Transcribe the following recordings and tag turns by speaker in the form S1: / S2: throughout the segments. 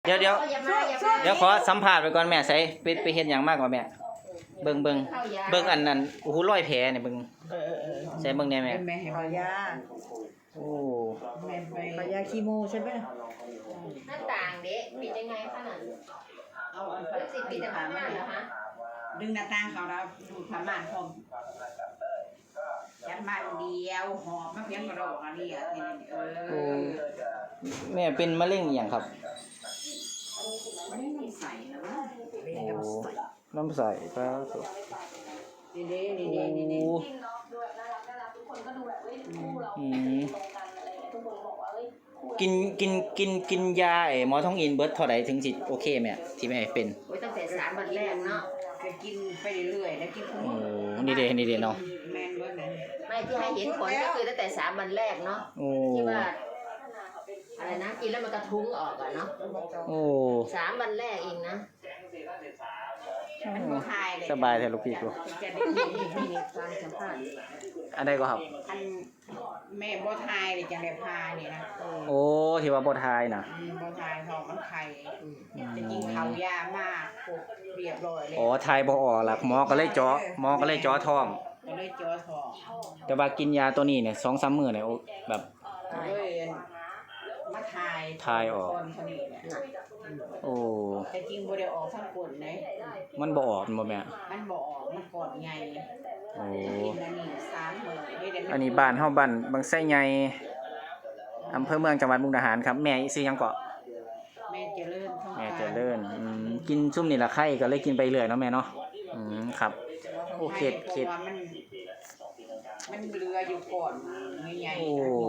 S1: เดี๋ยวขอสัมภาษณ์ไปก่อนแม่ใส่ไปเฮ็ดหยังมากกว่าแม่เบิ่งอันนั้นโอ้โหรอยแผลเนี่ยเบิ่งใส่เบิ่งแน่แม่
S2: แม่ให้
S3: ขอยา
S1: โอ้
S2: แม่ไป
S3: ขอยาคีโมใช่ไหม
S4: หน้าต่างเด็กปิดยังไงขนาด
S2: เอาอัน
S4: รู้สึกปิดแต่ผ้าม่านเหรอคะ
S2: ดึงหน้าต่างเขาแล้วดูดผ้าม่านพร้อมยัดมาเดียวหอบมาเพียงกระโดดอะไรอ่ะทีนี้
S1: โอ้แม่เป็นมะเร็งอหย่างครับ
S2: ไม่มีใส่นะ
S1: โอ้น้ำใสครับ
S2: นี่เด้นี่เด้นี่เด้
S1: โอ้
S4: กินล็อกด้วยน่ารักทุกคนก็ดูแบบเฮ้ยคู่เรา
S1: อืม
S4: ตรงกันอะไรเงี้ยทุกคนบอกว่าเฮ้ยคู่เรา
S1: กินยาหมอท้องอินเบิดเท่าใดถึงสิโอเคแม่ที่แม่เป็น
S4: โอ้ยตั้งแต่3 วันแรกเนาะ
S2: ก็กินไปเรื่อยๆแล้วกิน
S1: โอ้นี่เด้เนาะ
S2: แม่นเบิดเลย
S4: ไม่ที่ให้เห็นผลก็คือตั้งแต่3 วันแรกเนาะ
S1: โอ้
S4: ที่ว่าอะไรนะกินแล้วมันกระทุ้งออกอะเนาะ
S1: โอ้
S4: 3 วันแรกเองนะ
S2: มันบ่ทายเลย
S1: สบายแท้ลูกพี่กู
S2: จะได้กิน
S4: นี่ฟังสัมภาษณ์
S1: อันใดก็ครับ
S2: อันแม่บ่ทายเลยจังได้พานี่นะ
S1: โอ้ที่ว่าบ่ทายน่ะ
S2: บ่ทายท้องมันไข่จะกินข้าวยามากปุ๊บเรียบร้อยเลย
S1: อ๋อทายบ่ออกล่ะหมอก็เลยเจาะท้อง
S2: ก็เลยจ่อท้อง
S1: แต่ว่ากินยาตัวนี้เนี่ย2-3 มื้อเนี่ยโอ้แบบ
S2: เลยมาทายออกคนนี้แหละ
S1: โอ้
S2: แต่จริงบ่ได้ออกทั้งคนเลย
S1: มันบ่ออกบ่แม่
S2: มันบ่ออกมันกอดใหญ่
S1: โอ้
S2: กินอันนี้3มื้อได้แต่
S1: อันนี้บ้านเฮาบ้านบางไส้ใหญ่อำเภอเมืองจังหวัดมุกดาหารครับแม่ซื้อหยังเกาะ
S2: แม่เจริญท้อง
S1: แม่เจริญกินซุ่มนี่ละไข่ก็เลยกินไปเรื่อยเนาะแม่เนาะครับโอเคเข็ด
S2: มันเรืออยู่ก่อนใหญ่
S1: โอ้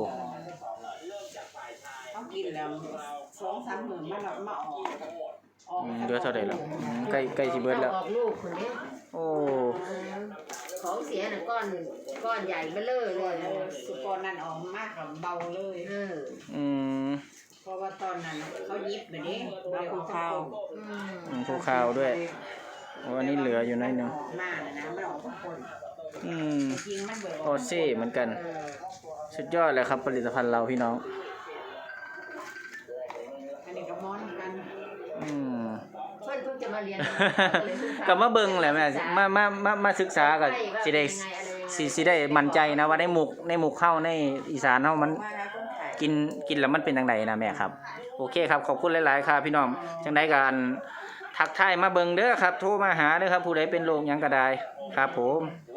S2: เขากินแล้ว2-3มื้อมันมาออก
S1: เดือเท่าใดแล้วใกล้สิเบิดแล้ว
S4: ออกลูกคนนี้
S1: โอ้
S4: ของเสียน่ะก้อนใหญ่เบ้อเลย
S2: สุกรนั่นออกมากกับเบาเลย
S1: อืม
S2: เพราะว่าตอนนั้นเขายิบแบบนี้เราคูข้าว
S1: ภูเขาด้วยโอ้อันนี้เหลืออยู่หน้อยหนึง
S2: มากนะไม่ออกทุกคน จริงมันเบื่อ
S1: โอเซ่เหมือนกันสุดยอดเลยครับผลิตภัณฑ์เราพี่น้อง
S2: อันนี้ก็ม้อนกัน
S4: เพื่อนเพิ่งจะมาเรียน
S1: ก็มาเบิ่งแหละแม่มาศึกษาก็สิได้สิได้มั่นใจนะว่าในหมุกเข้าในอีสานเฮามัน
S2: มาแล้วคนขาย
S1: กินแล้วมันเป็นจังไดนะแม่ครับโอเคครับขอบคุณหลายๆครับพี่น้องจังไดก็ทักทายมาเบิ่งเด้อครับโทรมาหาเด้อครับผู้ใดเป็นโรคหยังก็ได้ครับผม